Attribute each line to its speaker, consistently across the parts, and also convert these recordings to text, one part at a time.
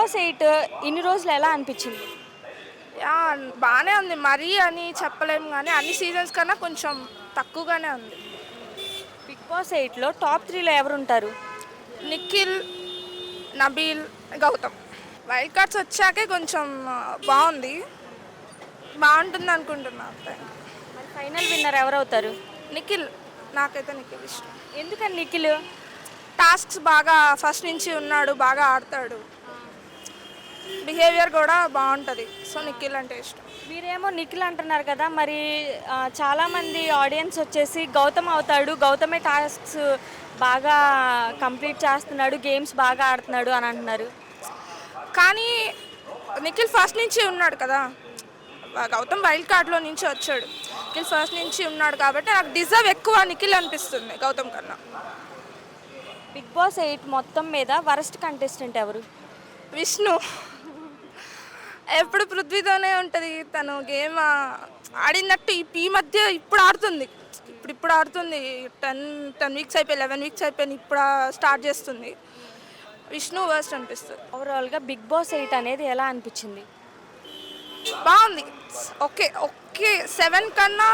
Speaker 1: Boss 8 ఇన్ని రోజులు ఎలా అనిపించింది?
Speaker 2: యా బాగానే ఉంది. మరీ అని చెప్పలేము కానీ అన్ని సీజన్స్ కన్నా కొంచెం తక్కువగానే ఉంది.
Speaker 1: బిగ్ బాస్ 8లో టాప్ 3లో ఎవరుంటారు?
Speaker 2: నిఖిల్, నబీల్, గౌతమ్. వైల్డ్ కార్డ్స్ వచ్చాకే కొంచెం బాగుంది. బాగుంటుంది అనుకుంటున్నా అంతే.
Speaker 1: మరి ఫైనల్ విన్నర్ ఎవరవుతారు?
Speaker 2: నిఖిల్, నాకైతే నిఖిల్ ఇష్టం.
Speaker 1: ఎందుకని నిఖిల్?
Speaker 2: టాస్క్స్ బాగా ఫస్ట్ నుంచి ఉన్నాడు, బాగా ఆడతాడు, బిహేవియర్ కూడా బాగుంటుంది. సో నిఖిల్ అంటే ఇష్టం.
Speaker 1: మీరేమో నిఖిల్ అంటున్నారు కదా, మరి చాలామంది ఆడియన్స్ వచ్చేసి గౌతమ్ అవుతాడు, గౌతమే టాస్క్స్ బాగా కంప్లీట్ చేస్తున్నాడు, గేమ్స్ బాగా ఆడుతున్నాడు అని అంటున్నారు.
Speaker 2: కానీ నిఖిల్ ఫస్ట్ నుంచి ఉన్నాడు కదా, గౌతమ్ వైల్డ్ కార్డ్లో నుంచి వచ్చాడు. నిఖిల్ ఫస్ట్ నుంచి ఉన్నాడు కాబట్టి నాకు డిజర్వ్ ఎక్కువ నిఖిల్ అనిపిస్తుంది గౌతమ్ కన్నా.
Speaker 1: బిగ్ బాస్ 8 మొత్తం మీద వరస్ట్ కంటెస్టెంట్ ఎవరు?
Speaker 2: విష్ణు. ఎప్పుడు పృథ్వీతోనే ఉంటుంది. తను గేమ్ ఆడినట్టు ఈ మధ్య ఇప్పుడు ఆడుతుంది. ఇప్పుడు ఆడుతుంది. 10 వీక్స్ అయిపోయి 11 వీక్స్ అయిపోయి ఇప్పుడు స్టార్ట్ చేస్తుంది. విష్ణు వర్స్ట్ అనిపిస్తుంది.
Speaker 1: ఓవరాల్గా బిగ్ బాస్ 8 అనేది ఎలా అనిపించింది?
Speaker 2: బాగుంది. ఓకే ఓకే 7 కన్నా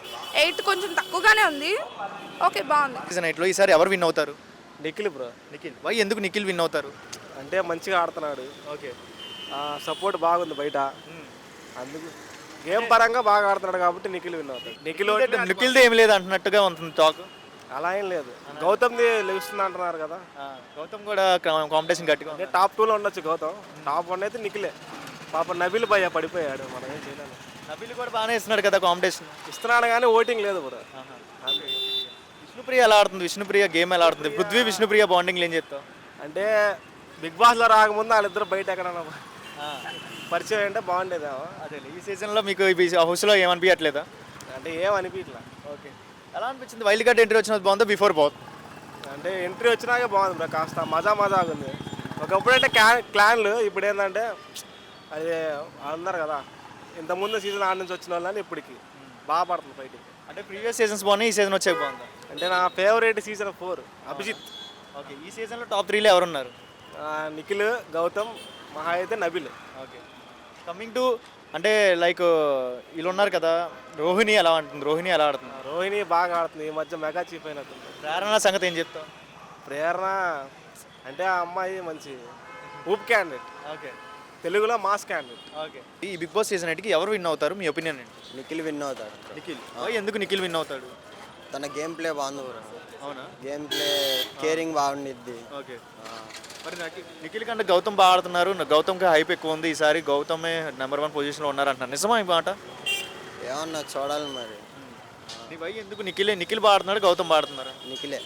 Speaker 2: 8 కొంచెం తక్కువగానే ఉంది. ఓకే బాగుంది.
Speaker 3: సీజన్ 8లో ఈసారి ఎవరు విన్ అవుతారు?
Speaker 4: నిఖిల్ బ్రో.
Speaker 3: నిఖిల్. వై ఎందుకు నిఖిల్ విన్ అవుతారు?
Speaker 4: అంటే మంచిగా ఆడుతున్నాడు,
Speaker 3: ఓకే.
Speaker 4: సపోర్ట్ బాగుంది బయట, అందుకు గేమ్ పరంగా బాగా ఆడుతున్నాడు కాబట్టి నిఖిల్ విన్ అవుతాడు.
Speaker 3: నిఖిల్ది ఏం లేదు అంటున్నట్టుగా ఉంటుంది టాక్.
Speaker 4: అలా ఏం లేదు, గౌతమ్ది లెగుస్తుంది అంటున్నారు కదా.
Speaker 3: గౌతమ్ కూడా కాంపిటీషన్ గట్టిగా
Speaker 4: అంటే టాప్ 2లో ఉండొచ్చు గౌతమ్, టాప్ 1 అయితే నిఖిలే. పాప నబీల్ భయ్య పడిపోయాడు, మనం ఏం చేయలేము.
Speaker 3: నబీల్ కూడా బాగానే ఇస్తున్నాడు కదా కాంపిటీషన్.
Speaker 4: ఇస్తున్నాడు కానీ ఓటింగ్ లేదు బ్రో.
Speaker 3: విష్ణుప్రియ ఎలా ఆడుతుంది? విష్ణుప్రియ గేమ్ ఎలా ఆడుతుంది? పృథ్వీ విష్ణుప్రియ బాండింగ్ ఏం చెప్తావు?
Speaker 4: అంటే బిగ్ బాస్లో రాకముందు వాళ్ళిద్దరు బయట ఎక్కడన్నా పరిచయం అంటే బాగుండేదేమో.
Speaker 3: అదే ఈ సీజన్లో మీకు హౌస్లో ఏమనిపించట్లేదా?
Speaker 4: అంటే ఏం అనిపించలే.
Speaker 3: ఓకే. ఎలా అనిపించింది? వైల్డ్ కార్డ్ ఎంట్రీ వచ్చినది బాగుందా బిఫోర్ బాగుంది?
Speaker 4: అంటే ఎంట్రీ వచ్చినాకే బాగుంది బ్రో, కాస్త మజా ఉంది. ఒకప్పుడు అంటే క్లాన్లు, ఇప్పుడు ఏంటంటే అది అన్నారు కదా, ఇంతకుముందు సీజన్ ఆడ నుంచి వచ్చిన వాళ్ళని ఇప్పటికి బాగా పడుతుంది ఫైటింగ్.
Speaker 3: అంటే ప్రీవియస్ సీజన్స్ బాగున్నాయి, ఈ సీజన్ వచ్చాక బాగుందా?
Speaker 4: అంటే నా ఫేవరెట్ సీజన్ 4 అభిజిత్.
Speaker 3: ఓకే. ఈ సీజన్లో టాప్ 3లో ఎవరున్నారు?
Speaker 4: నిఖిల్, గౌతమ్, మహా అయితే నబిల్.
Speaker 3: ఓకే. కమింగ్ టు అంటే లైక్ వీళ్ళు ఉన్నారు కదా, రోహిణి ఎలా ఆడుతుంది? రోహిణి ఎలా ఆడుతుంది?
Speaker 4: రోహిణి బాగా ఆడుతుంది, ఈ మధ్య మెగా చీఫ్ అయినట్టుంది.
Speaker 3: ప్రేరణ సంగతి ఏం చెప్తావు?
Speaker 4: ప్రేరణ అంటే ఆ అమ్మాయి మంచి ఊప్ క్యాండిడేట్,
Speaker 3: ఓకే.
Speaker 4: తెలుగులో మాస్ క్యాండిడేట్.
Speaker 3: ఓకే. ఈ బిగ్ బాస్ సీజన్ 8కి ఎవరు విన్ అవుతారు మీ ఒపీనియన్ ఏంటి?
Speaker 5: నిఖిల్ విన్ అవుతాడు.
Speaker 3: నిఖిల్. ఎందుకు నిఖిల్ విన్ అవుతాడు?
Speaker 5: తన గేమ్ ప్లే బాగుంది బ్రో.
Speaker 3: అవునా?
Speaker 5: గేమ్ ప్లే కేరింగ్ బాగుండిద్ది.
Speaker 3: ఓకే. మరి నిఖిల్ కంటే గౌతమ్ బాగా ఆడుతున్నారు, గౌతమ్కి హైప్ ఎక్కువ ఉంది, ఈసారి గౌతమే నెంబర్ 1 పొజిషన్లో ఉన్నారు అంటున్నారు, నిజమా ఈ మాట?
Speaker 5: ఏమన్నా చూడాలి మరి.
Speaker 3: నీ భయ్ ఎందుకు నిఖిల్ బాగా ఆడుతున్నాడు, గౌతమ్ బాగా ఆడుతున్నారా?
Speaker 5: నిఖిలే.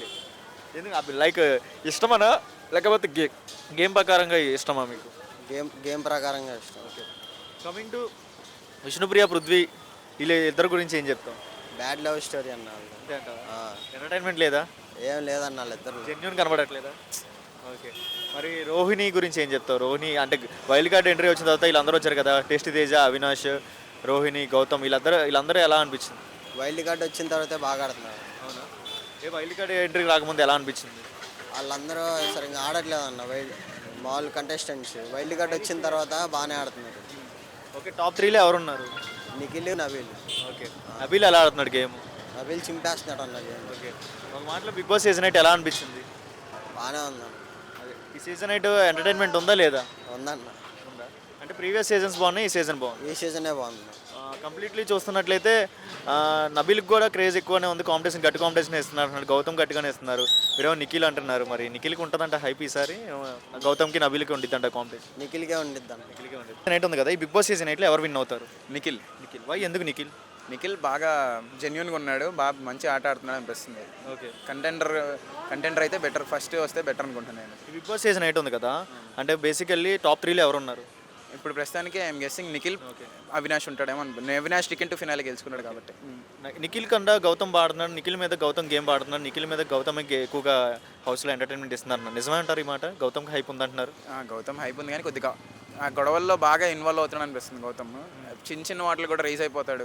Speaker 3: ఎందుకు లైక్ ఇష్టమనా లేకపోతే గేమ్ ప్రకారంగా ఇష్టమా మీకు?
Speaker 5: గేమ్ ప్రకారంగా ఇష్టం.
Speaker 3: Okay. Coming to Vishnupriya, Prithvi, వీళ్ళ ఇద్దరు గురించి ఏం చెప్తాం?
Speaker 5: బ్యాడ్ లవ్ స్టోరీ అన్న.
Speaker 3: ఎంటర్టైన్మెంట్ లేదా?
Speaker 5: ఏం లేదన్న వాళ్ళిద్దరు.
Speaker 3: జెన్యూన్ కనబడట్లేదా? ఓకే. మరి రోహిణి గురించి ఏం చెప్తావు? రోహిణి అంటే వైల్డ్ కార్డ్ ఎంట్రీ వచ్చిన తర్వాత వీళ్ళందరూ వచ్చారు కదా, టేస్టీ తేజ, అవినాష్, రోహిణి, గౌతమ్, వీళ్ళందరూ ఎలా అనిపించింది?
Speaker 5: వైల్డ్ కార్డ్ వచ్చిన తర్వాతే బాగా ఆడుతున్నారు.
Speaker 3: అవునా? వైల్డ్ కార్డ్ ఎంట్రీ రాకముందు ఎలా అనిపించింది?
Speaker 5: వాళ్ళందరూ సరిగ్గా ఆడట్లేదన్న. మామూలు కంటెస్టెంట్స్ వైల్డ్ కార్డ్ వచ్చిన తర్వాత బాగానే ఆడుతున్నారు.
Speaker 3: ఓకే. టాప్ 3లో ఎవరున్నారు?
Speaker 5: నిఖిల్, నబీల్.
Speaker 3: ఓకే. నబీల్ ఎలా ఆడుతున్నాడు గేమ్?
Speaker 5: నబీల్ చింపేస్తున్నాడు అన్న గేమ్.
Speaker 3: ఓకే. ఒక మాటలో బిగ్ బాస్ సీజన్ 8 ఎలా అనిపించింది?
Speaker 5: బాగానే ఉందన్న.
Speaker 3: అదే ఈ సీజన్ 8 ఎంటర్టైన్మెంట్ ఉందా లేదా?
Speaker 5: ఉందన్న.
Speaker 3: ఉందా? అంటే ప్రీవియస్ సీజన్స్ బాగున్నాయి, ఈ సీజన్ బాగుంది.
Speaker 5: ఈ సీజనే బాగుంది.
Speaker 3: కంప్లీట్లీ చూస్తున్నట్లయితే నబీల్కి కూడా క్రేజ్ ఎక్కువనే ఉంది, కాంపిటీషన్ గట్టి కాంపిటీషన్ ఇస్తున్నారు, గౌతమ్ గట్టిగానే ఇస్తున్నారు, మీరేమో నిఖిల్ అంటున్నారు. మరి నిఖిల్కి ఉంటుందంట హైప్ ఈసారి, గౌతమ్కి నబీల్కి ఉండిద్దంట కాంపిటీషన్?
Speaker 5: నిఖిల్కే ఉండిద్దాం.
Speaker 3: నిఖిల్కే ఉండిద్ది. సీజన్ 8 ఉంది కదా, ఈ బిగ్ బాస్ సీజన్ 8లో ఎవరు విన్ అవుతారు?
Speaker 6: నిఖిల్.
Speaker 3: వై ఎందుకు నిఖిల్?
Speaker 6: నిఖిల్ బాగా జెన్యున్గా ఉన్నాడు, బాగా మంచి ఆట ఆడుతున్నాడు అనిపిస్తుంది.
Speaker 3: ఓకే.
Speaker 6: కంటెండర్ అయితే బెటర్, ఫస్ట్ వస్తే బెటర్ అనుకుంటున్నాను.
Speaker 3: ఈ బిగ్ బాస్ సీజన్ 8 ఉంది కదా, అంటే బేసికల్లీ టాప్ 3లో ఎవరు ఉన్నారు?
Speaker 6: ఇప్పుడు ప్రస్తుతానికి ఐఎమ్ గెస్సింగ్ నిఖిల్, అవినాష్ ఉంటాడేమో అనుకుంటున్నాను. అవినాష్ టికెట్ టు ఫినాలే గెలుచుకున్నాడు కాబట్టి.
Speaker 3: నిఖిల్ కన్నా గౌతమ్ బాడుతున్నాడు, నిఖిల్ మీద గౌతమ్ గేమ్ బాడుతున్నాడు, నిఖిల్ మీద గౌతమ్ ఎక్కువగా హౌస్లో ఎంటర్టైన్మెంట్ ఇస్తున్నారు, నిజమే అంటారు ఈ మాట? గౌతమ్కి హైప్ ఉందంటున్నారు.
Speaker 6: గౌతమ్ హైప్ ఉంది కానీ కొద్దిగా ఆ గొడవల్లో బాగా ఇన్వాల్వ్ అవుతున్నాడు అనిపిస్తుంది గౌతమ్. చిన్న చిన్న వాటిలో కూడా రైజ్ అయిపోతాడు,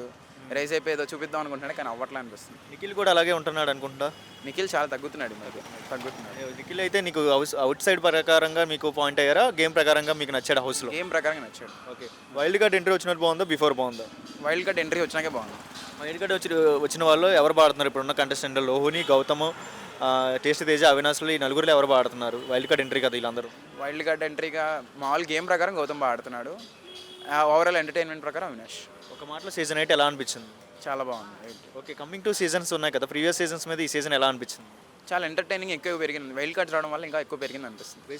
Speaker 6: రైజ్ అయిపోయి ఏదో చూపిద్దాం అనుకుంటున్నాడు కానీ అవ్వట్లే అనిపిస్తుంది.
Speaker 3: నిఖిల్ కూడా అలాగే ఉంటున్నాడు అనుకుంటా.
Speaker 6: నిఖిల్ చాలా తగ్గుతున్నాడు ఈ మధ్య. తగ్గుతున్నాడు.
Speaker 3: నిఖిల్ అయితే నీకు అవుట్ సైడ్ ప్రకారంగా మీకు పాయింట్ అయ్యారా, గేమ్ ప్రకారంగా మీకు నచ్చాడు హౌస్లో?
Speaker 6: గేమ్ ప్రకారంగా నచ్చాడు.
Speaker 3: ఓకే. వైల్డ్ కార్డ్ ఎంట్రీ వచ్చినట్టు బాగుందా, బిఫోర్ బాగుందా?
Speaker 6: వైల్డ్ కార్డ్ ఎంట్రీ వచ్చినాకే బాగుంది.
Speaker 3: వైల్డ్ కార్డ్ వచ్చిన వాళ్ళు ఎవరు పాడుతున్నారు ఇప్పుడున్న కంటెస్టెంట్? లోహుని, గౌతమ్, టేస్ట్ తేజ, అవినాష్లు ఈ నలుగురిలో ఎవరు పాడుతున్నారు? వైల్డ్ కార్డ్ ఎంట్రీ కదా వీళ్ళందరూ.
Speaker 6: వైల్డ్ కార్డ్ ఎంట్రీగా మామూలు గేమ్ ప్రకారం గౌతమ్ బాగా ఆడుతున్నాడు. ఓవరాల్ ఎంటర్టైన్మెంట్ ప్రకారం అవినాష్.
Speaker 3: ఒక మాటలో సీజన్ 8 ఎలా అనిపించింది?
Speaker 6: చాలా బాగుంది.
Speaker 3: ఓకే. కమింగ్ 2 సీజన్స్ ఉన్నాయి కదా, ప్రీవియస్ సీజన్స్ మీద ఈ సీజన్ ఎలా అనిపించింది?
Speaker 6: చాలా ఎంటర్టైనింగ్ ఎక్కువ పెరిగింది. వైల్డ్ కార్డ్స్ రావడం వల్ల ఇంకా ఎక్కువ పెరిగింది అనిపిస్తుంది.